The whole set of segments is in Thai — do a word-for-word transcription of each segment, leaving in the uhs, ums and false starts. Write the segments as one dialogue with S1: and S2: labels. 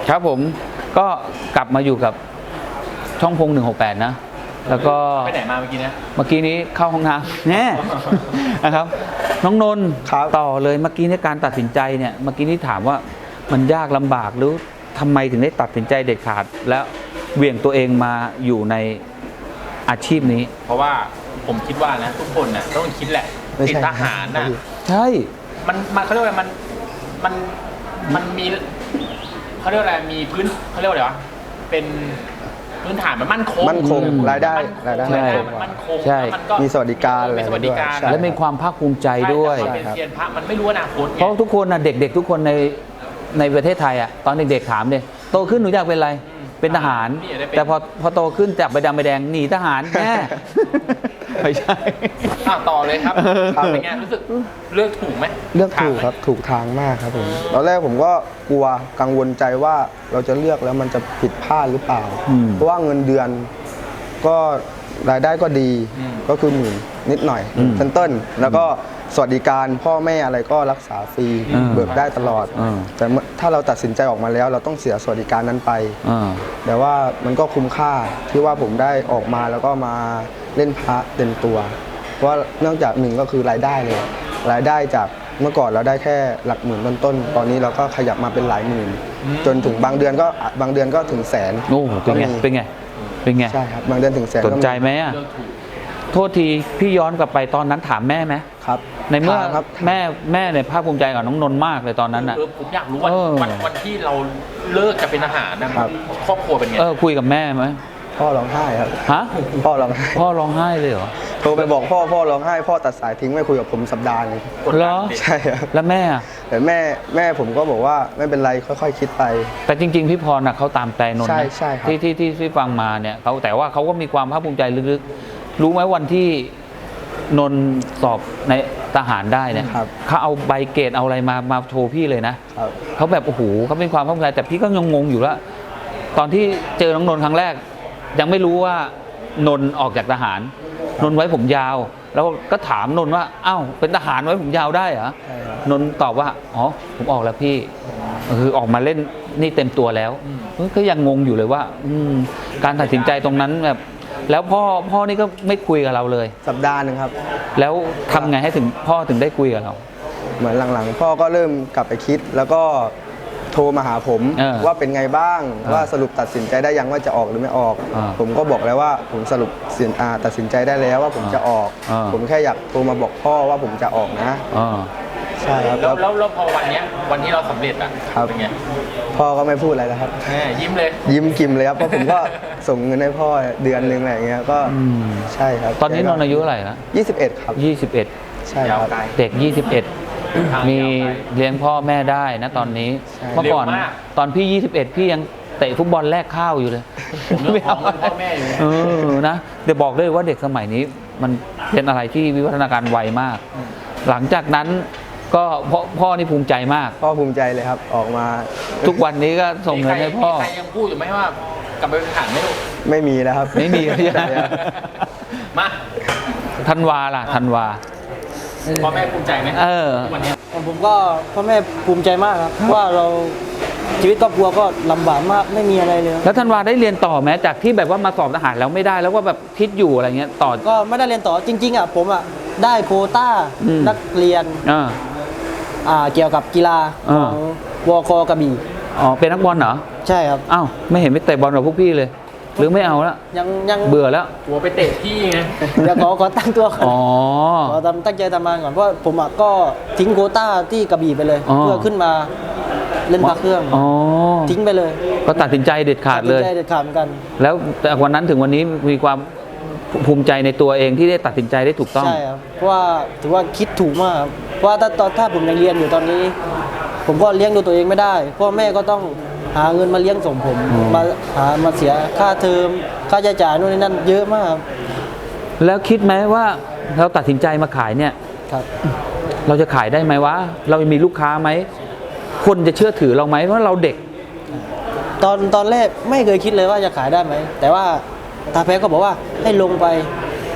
S1: ครับผมก็กลับมาอยู่กับช่องพงหนึ่งหกแปดนะแล้วก็
S2: ไปไหนมาเมื่อกี้นะ
S1: เมื่อกี้นี้เข้าห้องน้ำแน่นะครับน้องนนท์ต่อเลยเมื่อกี้ในการตัดสินใจเนี่ยเมื่อกี้นี้ถามว่ามันยากลำบากหรือทำไมถึงได้ตัดสินใจเด็ดขาดแล้วเหวี่ยงตัวเองมาอยู่ในอาชีพนี้
S2: เพราะว่าผมคิดว่านะทุกคนนะต้องคิดแหละติดทหารนะ
S1: ใช่
S2: มันมันเขาเรียกว่ามันมันมันมีเขาเรียกว่าอะไรมีพื้นเขาเรียกว่าอะไรวะเป็นพื้นฐานมันมั่นคง
S3: มั่นคงรายได้
S2: รายได้มันมั่นคง
S1: มันก็
S3: มีสวัสดิการอะไร
S1: ด้วยและมีความภาคภูมิใจด้วย
S2: เป็นเซียนพระมันไม่รู้อนาคต
S1: เพราะทุกคนนะเด็กๆทุกคนในในประเทศไทยอ่ะตอนเด็กๆถามเลยโตขึ้นหนูอยากเป็นอะไรเป็นทหารแต่พอพอโตขึ้นจากใบดำใบแดงหนีทหารแม่ไม่ใช่
S2: ต่อเลยครับเป็นไงรู้สึกเลือกถูกไหม
S3: เลือกถูกครับถูกทางมากครับผมตอนแรกผมก็กลัวกังวลใจว่าเราจะเลือกแล้วมันจะผิดพลาดหรือเปล่าเพราะว่าเงินเดือนก็รายได้ก็ดีก็คือหมื่นนิดหน่อยต้นๆแล้วก็สวัสดิการพ่อแม่อะไรก็รักษาฟรีเบิกได้ตลอดแต่ถ้าเราตัดสินใจออกมาแล้วเราต้องเสียสวัสดิการนั้นไปแต่ว่ามันก็คุ้มค่าที่ว่าผมได้ออกมาแล้วก็มาเล่นพระเต็มตัวเพราะเนื่องจากหนึ่งก็คือรายได้เลยรายได้จากเมื่อก่อนเราได้แค่หลักหมื่นต้นๆตอนนี้เราก็ขยับมาเป็นหลายหมื่นจนถึงบางเดือนก็บางเดือนก็ถึงแสน
S1: โอ้เป็นไงเป็นไงเป็นไง
S3: ใช่ครับบางเดือนถึงแสน
S1: สนใจไหมอ่ะโทษทีพี่ย้อนกลับไปตอนนั้นถามแม่ไหม
S3: ครับ
S1: ในเมื่อแม่แม่เนี่ยภาคภูมิใจกับน้องนนท์มากเลยตอนนั้นอ่ะ
S2: ผมอยากรู้ว่าวันวันที่เราเลิกจะเป็นทหารนะครอบครัวเป็นไง
S1: เออคุยกับแม่ไหม
S3: พ่อร้องไห้ครับ
S1: ฮะ
S3: พ่อร้องไห้
S1: พ่อร้องไห้เลยเหรอ
S3: โทรไปบอกพ่อพ่อร้องไห้พ่อตัดสายทิ้งไม่คุยกับผมสัปดาห์นึง
S1: เหรอ
S3: ใช่ครับ
S1: แล้วแม่
S3: แต่แม่แม่ผมก็บอกว่าไม่เป็นไรค่อยๆคิดไป
S1: แต่จริงๆพี่พรน่ะเขาตามใจนนท์
S3: ใช่ใช่ครับ
S1: ที่ที่ที่ที่ฟังมาเนี่ยเขาแต่ว่าเขาก็มีความภาคภูมิใจลึกๆรู้ไหมวันที่นนท์สอบในทหารได้เนี่ยเขาเอาใบเกรดเอาอะไรมามาโชว์พี่เลยนะเขาแบบโอ้โหเขาเป็นความภาคภูมิใจแต่พี่ก็ยังงงอยู่แล้วตอนที่เจอน้องนนท์ครั้งแรกยังไม่รู้ว่านนท์ออกจากทหารนนท์ไว้ผมยาวแล้วก็ถามนนท์ว่าอ้าวเป็นทหารไว้ผมยาวได้เหรอนนท์ตอบว่าอ๋อผมออกแล้วพี่คือออกมาเล่นนี่เต็มตัวแล้วก็ยังงงอยู่เลยว่าการตัดสินใจตรงนั้นแบบแล้วพ่อพ่อนี่ก็ไม่คุยกับเราเลย
S3: สัปดาห์นึงครับ
S1: แล้วทำไงให้ถึงพ่อถึงได้คุยกับเรา
S3: เหมือนหลังๆพ่อก็เริ่มกลับไปคิดแล้วก็โทรมาหาผมว่าเป็นไงบ้างว่าสรุปตัดสินใจได้ยังว่าจะออกหรือไม่ออกผมก็บอกแล้วว่าผมสรุปตัดสินใจได้แล้วว่าผมจะออกผมแค่อยากโทรมาบอกพ่อว่าผมจะออกนะใช่ครับ
S2: แล้วแล้วพอวันนี้วันที่เราสำเร็จอ่ะเป็นไง
S3: พ่อก็ไม่พูดอะไรแล้วครับ
S2: ยิ้มเลย
S3: ยิ้มกิ่มเลยครับเพราะผมก็ส่งเงินให้พ่อเดือนนึงอะไรอย่างเงี้ยก็ใช่ครับ
S1: ตอนนี้นนท์อายุเท่าไหร่ละ
S3: ยี่สิบเอ็ดครับ
S1: ยี่สิบเอ็ด
S3: ใช่ครับ
S1: เด็กยี่สิบเอ็ดมีเลี้ยงพ่อแม่ได้นะตอนนี้เมื่อก่อนตอนพี่ยี่สิบเอ็ดพี่ยังเตะฟุตบอลแลกข้าวอยู่เลย
S2: ไม่เอาพ่อแม่อยู่
S1: เออนะเดี๋ยวบอกเลยว่าเด็กสมัยนี้มันเป็นอะไรที่วิวัฒนาการไวมากหลังจากนั้นก็พ่อพ่อนี่ภูมิใจมาก
S3: พ่อภูมิใจเลยครับออกมา
S1: ทุกวันนี้ก็ส่งเงินให้พ่อ
S2: ใครยังพูดอยู่ไหมว่ากลับไปเป็นทหารไม่รู้
S3: ไม่มีแล้วครับ
S1: ไม่มีใช่
S2: มา
S1: ธันวาล่ะธันวา
S2: พ่อแม่ภูมิใจไหม
S1: เออ
S2: วันนี้
S4: ผมก็พ่อแม่ภูมิใจมากครับว่าเราชีวิตครอบครัวก็ลำบากมากไม่มีอะไรเลย
S1: แล้วธันวาได้เรียนต่อไหมจากที่แบบว่ามาสอบทหารแล้วไม่ได้แล้วก็แบบคิดอยู่อะไรเงี้ยต่อ
S4: ก็ไม่ได้เรียนต่อจริงๆอ่ะผมอ่ะได้โควต้านักเรียนอ่าเกี่ยวกับกีฬาของวคกระบี่
S1: อ๋อเป็นนักบอลเหรอ
S4: ใช่ครับ
S1: อ้าวไม่เห็นไม่เตะบอลกับพวกพี่เลยหรือไม่เอาแล้ว
S4: ยังยัง
S1: เบื่อแล้ว
S2: หัวไปเตะที่ไง
S4: เดี๋ยวขอขอตั้งตัวก่อน
S1: อ๋อ
S4: ขอทำตั้งใจทำงานก่อนเพราะผมอ่ะก็ทิ้งโควต้าที่กระบี่ไปเลยเพื่อขึ้นมาเล่นพระเครื่องทิ้งไปเลย
S1: ก็ตัดสินใจเด็ดขาดเลย
S4: ตัดสินใจเด็ดขาดเหมือนกัน
S1: แล้วแต่วันนั้นถึงวันนี้มีความภูมิใจในตัวเองที่ได้ตัดสินใจได้ถูกต้อง
S4: ใช่ครับเพราะว่าถือว่าคิดถูกมากเพราะว่าถ้าตอนถ้าผมยังเรียนอยู่ตอนนี้ผมก็เลี้ยงดูตัวเองไม่ได้พ่อแม่ก็ต้องหาเงินมาเลี้ยงส่งผมมาหามาเสียค่าเทอมค่าใช้จ่ายนู่นนี่นั่นเยอะมาก
S1: แล้วคิดไหมว่าเราตัดสินใจมาขายเนี่ย
S4: ครับ
S1: เราจะขายได้ไหมวะเรามีลูกค้าไหมคนจะเชื่อถือเราไหมเพราะเราเด็ก
S4: ตอนตอนแรกไม่เคยคิดเลยว่าจะขายได้ไหมแต่ว่าตาแพ้ก็บอกว่าให้ลงไป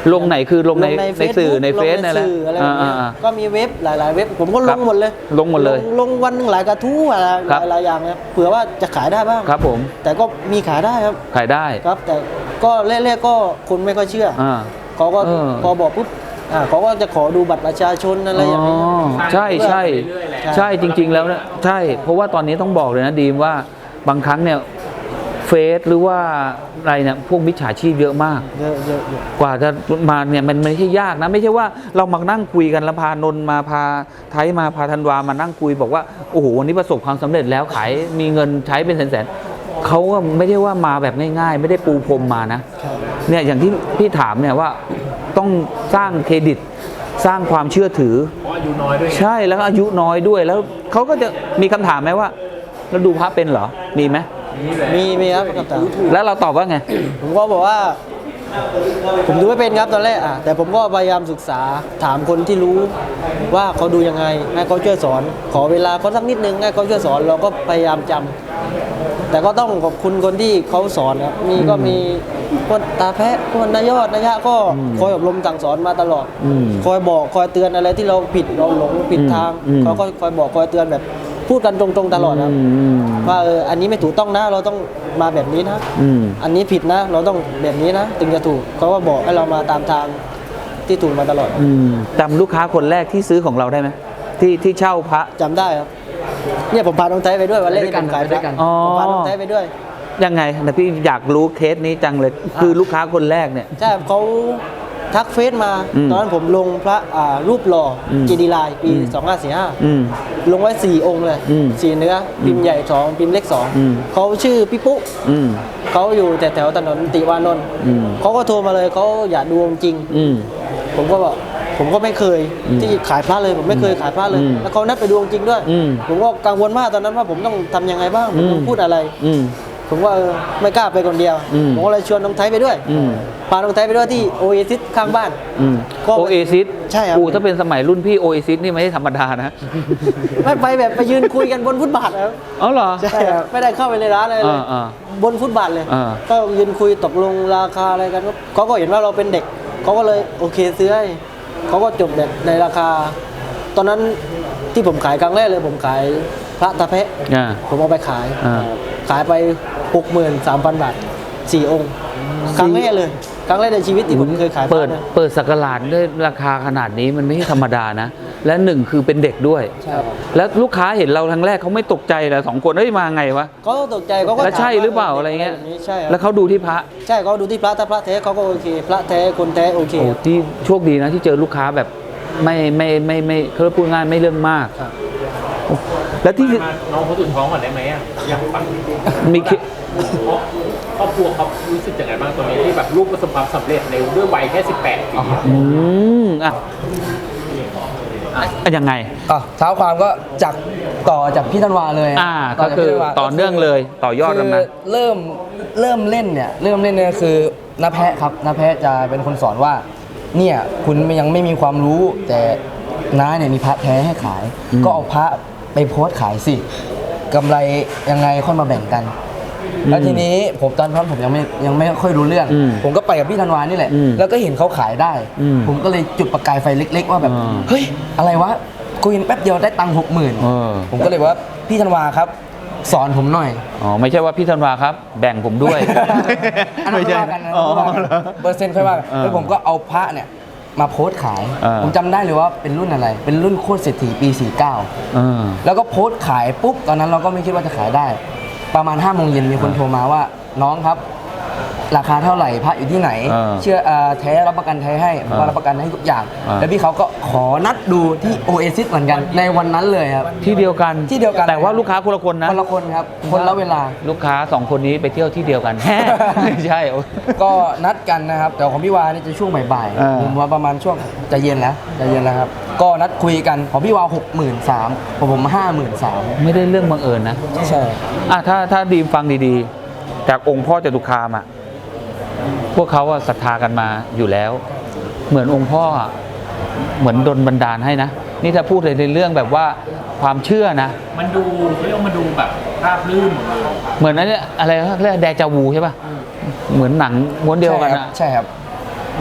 S1: ลงไหนคือลงในในสื่อในเฟซ
S4: ลง
S1: นั่นแหละ
S4: สื่ออะไรแบบเนี้ย
S1: อ่า
S4: ก็มีเว็บหลาย ๆ เว็บผมก็
S1: ค
S4: ล
S1: รับ
S4: งหมดเลย
S1: ลงหมดเลย
S4: ลงวันหนึ่งหลายกระทู้อะไร
S1: ครับ
S4: หลายๆอย่างเนี่ยเผื่อว่าจะขายได้บ้าง
S1: ครับผม
S4: แต่ก็มีขายได้ครับ
S1: ขายได้
S4: ครับ แต่ก็แรกๆก็คนไม่ค่อยเชื่ออ
S1: อ่า
S4: เขาก็
S1: เออ
S4: พอบอกปุ๊บอ่าเขาก็จะขอดูบัตรประชาชนอะไรอย่างนี้
S1: ใช่ใช่
S2: เรื่อยๆแหละ
S1: ใช่จริง ๆ แล้วเนี่ยใช่ เพราะว่าตอนนี้ต้องบอกเลยนะดีมว่าบางครั้งเนี่ยเฟซหรือว่าอะไรเนี่ยพวกมิจฉาชีพเยอะมาก
S4: เยอะเยอะเยอะ
S1: กว่าจะมาเนี่ยมันไม่ใช่ยากนะ ไม่ใช่ว่าเรามานั่งคุยกันแล้วพานนท์มาพาไทยมาพาธันวามานั่งคุยบอกว่าโอ้โหวันนี้ประสบความสำเร็จแล้วขายมีเงินใช้เป็นแสนๆเขาก็ไม่ได้ว่ามาแบบง่ายๆ ไม่ได้ปูพรมมานะเนี่ยอย่างที่พี่ถามเนี่ยว่าต้องสร้างเครดิตสร้างความเชื่อถือ
S2: เพราะอายุน้อยด้วยไง
S1: ใช่แล้วก็อายุน้อยด้วยแล้วเขาก็จะมีคำถามไหมว่าเราดูพระเป็นเหรอมีไหม
S2: นี่แหละ
S4: มีมีครับกับตา
S1: แล้วเราตอบว่าไง
S4: ผมก็บอกว่า ผมดูไม่เป็นครับตอนแรกอ่ะแต่ผมก็พยายามศึกษาถามคนที่รู้ว่าเขาดูยังไงให้เขาช่วยสอน ขอเวลาเขาสักนิดนึงให้เขาช่วยสอนเราก็พยายามจำแต่ก็ต้องขอบคุณคนที่เขาสอนครับมีก็มีคนตาแพะคนนายอดนายะก็คอยอบรมสั่งสอนมาตลอด
S1: อืม
S4: คอยบอกคอยเตือนอะไรที่เราผิดเราหลงผิดทาง
S1: อืม
S4: เขาก็คอยบอกคอยเตือนแบบพูดกันตรงๆตลอดครับ
S1: อืม
S4: ว่าเอออันนี้ไม่ถูกต้องนะเราต้องมาแบบนี้นะ
S1: อืม
S4: อันนี้ผิดนะ เราต้องแบบนี้นะถึงจะถูกเขาก็บอกให้เรามาตามทางที่ถูกมาตลอด
S1: อืมจำลูกค้าคนแรกที่ซื้อของเราได้ไหมที่ที่เช่าพระ
S4: จำได้ครับเนี่ยผมพาน้องไทยไปด้วยวันแรกที่ผมขายพระ
S1: อ๋อ
S4: ผมพาน้องไทยไปด้วย
S1: ยังไงแต่พี่อยากรู้เคสนี้จังเลย คือลูกค้าคนแรกเนี่ย
S4: ใช่เขาทักเฟซมา
S1: อืม
S4: ตอนนั้นผมลงพระอ่ารูปหล่ออ
S1: ม
S4: เจดีย์ลายปี
S1: อืม
S4: สองห้าสี่ห้า
S1: อืม
S4: ลงไว้สี่องค์เลย
S1: อืม
S4: สี่เนื้อพิมพ์ใหญ่สองพิมพ์เล็กสอง
S1: อืม
S4: เขาชื่อพี่ปุ๊
S1: อืม
S4: เขาอยู่แต่แถวถนนติวานนท์
S1: อืม
S4: เขาก็โทรมาเลยเขาอยากดูองค์จริง
S1: อืม
S4: ผมก็บอกผมก็ไม่เคย
S1: อืม
S4: ที่ขายพระเลยผมไม่เคยขายพระเลย
S1: อืม
S4: แล้วเขานัดไปดูองค์จริงด้วย
S1: อืม
S4: ผมก็กังวลมากตอนนั้นว่าผมต้องทำยังไงบ้างผม
S1: อืม
S4: ต้องพูดอะไร
S1: อืม
S4: ผมว่าเออไม่กล้าไปคนเดียว
S1: อืม
S4: ผมก็เลยชวนน้องไทยไปด้วย
S1: อืม
S4: พาน้องไทยไปด้วยที่โอเอซิสข้างบ้าน
S1: อืม
S4: ก็
S1: โอเอซิส
S4: ใช่ครับ
S1: อูถ้าเป็นสมัยรุ่นพี่โอเอซิสนี่ไม่ใช่ธรรมดานะ
S4: ไม่ไปแบบไปยืนคุยกันบนฟุตบาทครับ
S1: อ๋อเหรอ
S4: ใช่ครับไม่ได้เข้าไปในร้านอะไรเลย
S1: อ่าอ่า
S4: บนฟุตบาทเลย
S1: อ่า
S4: ก็ยืนคุยตกลงราคาอะไรกันเขาก็เห็นว่าเราเป็นเด็กเขาก็เลยโอเคซื้อให้เขาก็จบแบบในราคา ตอนนั้นที่ผมขายครั้งแรกเลยผมขายพระตะเพะ
S1: อ่า
S4: ผมเอาไปขาย
S1: อ่า
S4: ขายไป หกหมื่นสามพัน บาทสี่องค์ ครั้งแรกเลย ครั้งแรกในชีวิตที่ผมเคยขาย
S1: เปิด
S4: พระนะ
S1: เปิดสักราชด้วยราคาขนาดนี้มันไม่ใช่ธรรมดานะ และหนึ่งคือเป็นเด็กด้วย
S4: ใช่ครับ
S1: แล้วลูกค้าเห็นเราครั้งแรกเขาไม่ตกใจเหรอสองคนเฮ้ยมาไงวะ
S4: เขาก็ตกใจเขาก็
S1: แล้วใช่
S4: ถมว่
S1: หรือเปล่าอะไรเงี้ย
S4: แบบนี้ใช่ครับ
S1: แล้วเขาดูที่พระ
S4: ใช่เขาดูที่พระถ้าพระแท้เขาก็โอเค พระแท้คนแท้โอเค
S1: โอ้ที่โชคดีนะที่เจอลูกค้าแบบไม่ไม่ไม่ไม่เขาพูดง่ายไม่เรื่องมาก
S4: ครับ
S1: โอ้แล้วที่
S2: มาน้องเขาตุ่นท้องก่อนได้ไหมอ่ะอยากฟัง
S1: มีเค
S2: เพราะครอบครัวเขารู้สึกยังไงบ้างตอนนี้ที่แบบลูกประสบความสำเร็จในด้วยวัยแค่สิบแปดปีอะ
S1: อืมอ่ะอ่ะยังไง
S5: อ่ะเท้าความก็จากต่อจากพี่ธันวาเลย
S1: อ่า
S5: ต่
S1: ก็
S5: จาก
S1: คือ
S5: พี่ธัวา
S1: ต่อเนื่องเลยต่อยอดกันมา
S5: คือเริ่มเริ่มเล่นเนี่ยเริ่มเล่นเนี่ยคือน้าแพะครับน้าแพะจะเป็นคนสอนว่าเนี่ยคุณยังไม่มีความรู้ แต่น้าเนี่ยมีพระแท้ให้ขาย
S1: อืม
S5: ก็เอาพระไปโพสต์ขายสิกำไรยังไงค่อยมาแบ่งกัน แล้วทีนี้ผมตอนนั้นผมยังไม่ยังไม่ค่อยรู้เรื่อง
S1: อืม
S5: ผมก็ไปกับพี่ธันวานี่แหละ
S1: อืม
S5: แล้วก็เห็นเขาขายได้
S1: อืม
S5: ผมก็เลยจุดประกายไฟเล็ก ๆ ว่าแบบ
S1: อ่า
S5: เฮ้ยอะไรวะคุยแป๊บเดียวได้ตังค์หกหมื่น
S1: เออ
S5: ผมก็เลยบอกว่าพี่ธันวาครับ สอนผมหน่อย
S1: อ๋อไม่ใช่ว่าพี่ธันวาครับ แบ่งผมด้วย
S5: อันนั้นค่อยว่ากันนะ
S1: อ๋อ
S5: ค่อยว่ากัน
S1: เหรอ
S5: เปอร์เซ็นต์ค่อยว่ากัน
S1: เออ
S5: แล้วผมก็เอาพระเนี่ยมาโพสต์ขาย
S1: เออ
S5: ผมจำได้เลยว่าเป็นรุ่นอะไร เป็นรุ่นโคตรเศรษฐีปี สี่สิบเก้า
S1: เออ
S5: แล้วก็โพสต์ขายปุ๊บตอนนั้นเราก็ไม่คิดว่าจะขายได้ ประมาณห้าโมงเย็นมีคนโทรมาว่าน้องครับ ราคาเท่าไหร่พระอยู่ที่ไหน
S1: เออ
S5: เชื่อเอ่อแท้รับประกันแท้ให้ผมก็รับประกันให้ทุกอย่าง
S1: เออ
S5: แล้วพี่เขาก็ขอนัดดูที่โอเอซิสเหมือนกันในวันนั้นเลยครับ
S1: ที่เดียวกัน
S5: ที่เดียวกัน
S1: แต่ว่าลูกค้าคนละคนนะ
S5: คนละคนครับคนละเวลา
S1: ลูกค้าสองคนนี้ไปเที่ยวที่เดียวกัน ไม่ใช่โอ้
S5: ก็นัดกันนะครับ แต่ของพี่วานี่จะช่วงบ่าย
S1: อ่า
S5: ๆผมว่าประมาณช่วงจะเย็นแล้วจะเย็นแล้วครับ ก็นัดคุยกันของพี่วาหกหมื่นสามของผมห้าหมื่นสาม
S1: ไม่ได้เรื่องบังเอิญนะ
S5: ใช่
S1: อ่ะถ้าถ้าดีมฟังดีๆ จากองค์พ่อจตุคามอ่ะพวกเขาอะศรัทธากันมาอยู่แล้ว เหมือนองค์พ่ออะเหมือนดลบันดาลให้นะ นี่ถ้าพูดในเรื่องแบบว่าความเชื่อนะ
S2: มันดูเขาเรียกว่ามันดูแบบราบรื่นหมดเลย
S1: เหมือนนั้นเนี่ยอะไรเขาเรียกแดจาวูใช่ป่ะเหมือนหนังม้วนเดียวกันอะ
S5: ใช่ครับ
S1: นี่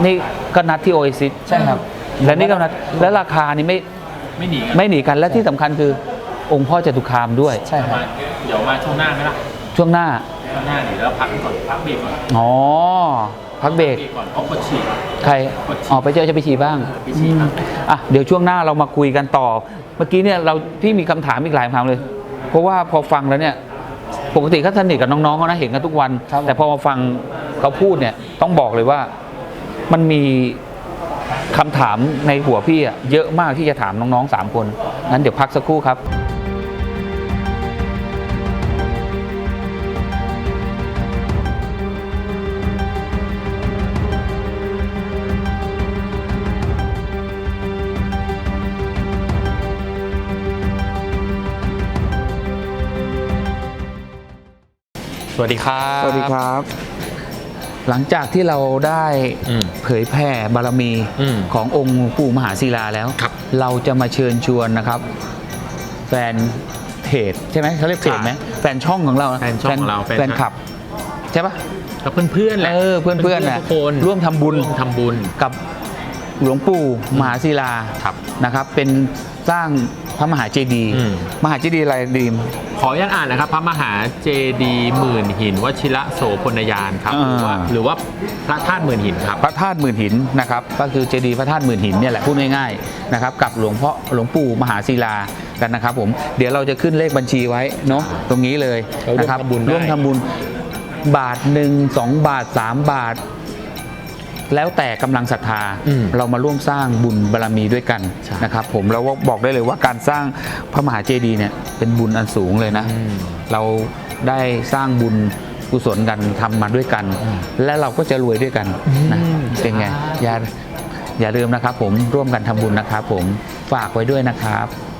S1: ก็นัดที่โอเอซิส
S5: ใช่ครับ
S1: และนี่ก็นัดและราคานี่ไม่
S2: ไม่หนีกัน
S1: ไม่หนีกันและที่สำคัญคือองค์พ่อจตุคามด้วย
S5: ใช่ครับ
S2: มาเดี๋ยวมาช่วงหน้าไหมล่ะ
S1: ช่วงหน้า
S2: ช่วงหน้าเดี๋ยวเราพักก่อนพักเบรกก่อน
S1: อ๋อพักเบรก
S2: เบรกก่อนเพราะปวดฉี่
S1: ใครอ๋อไปเจอจะไปฉี่บ้าง
S2: ไปฉี่ครับ
S1: อ่ะเดี๋ยวช่วงหน้าเรามาคุยกันต่อ เมื่อกี้เนี่ยเราพี่มีคำถามอีกหลายคำถามเลย เพราะว่าพอฟังแล้วเนี่ยปกติเขาสนิทกับน้องๆเขานะเห็นกันทุกวัน
S4: ครับ
S1: แต่พอมาฟังเขาพูดเนี่ยต้องบอกเลยว่ามันมีคำถามในหัวพี่อะเยอะมากที่จะถามน้องๆสามคนงั้นเดี๋ยวพักสักครู่ครับ สวัสดีครับ
S3: สวัสดีครับ
S1: หลังจากที่เราได้
S2: อืม
S1: เผยแผ่บารมี
S2: อืม
S1: ขององค์ปู่มหาศิลาแล้ว
S2: ครับ
S1: เราจะมาเชิญชวนนะครับ แฟนเพจใช่ไหมเขาเรียกเพจไหมแฟนช่องของเรา
S2: แฟนช่องของเรา
S1: แฟนคลับ ใช่ปะ
S2: กับเพื่อนๆแหละ
S1: เออเพื่อนๆน่ะ
S2: ทุกคน
S1: ร่วมทำบุญ
S2: ร่วมทำบุญ
S1: กับหลวงปู่มหาศิลา
S2: ครับ
S1: นะครับ เป็นสร้างพระมหาเจดีย์
S2: อืม
S1: มหาเจดีย์อะไรดีม
S2: ขออนุญาตอ่านนะครับ พระมหาเจดีย์หมื่นหินวชิระโสพลยานครับหรือว่า
S1: อ่า
S2: หรือว่าพระธาตุหมื่นหินครับ
S1: พระธาตุหมื่นหินนะครับก็คือเจดีย์พระธาตุหมื่นหินเนี่ยแหละพูดง่ายๆนะครับกับหลวงพ่อหลวงปู่มหาศิลากันนะครับผมเดี๋ยวเราจะขึ้นเลขบัญชีไว้เนาะตรงนี้เลย
S2: เราร่วม
S1: นะครับ
S2: ทำบุญได้
S1: ร่วมทำบุญบาทหนึ่งสองบาทสามบาท แล้วแต่กำลังศรัทธา
S2: อืม
S1: เรามาร่วมสร้างบุญบารมีด้วยกัน
S2: ใช่
S1: นะครับผมแล้วบอกได้เลยว่าการสร้างพระมหาเจดีย์เนี่ยเป็นบุญอันสูงเลยนะ
S2: อืม
S1: เราได้สร้างบุญกุศลกันทำมาด้วยกัน และเราก็จะรวยด้วยกันนะ
S2: อืม
S1: เป็นไงอย่าอย่าลืมนะครับผมร่วมกันทำบุญนะครับผมฝากไว้ด้วยนะครับ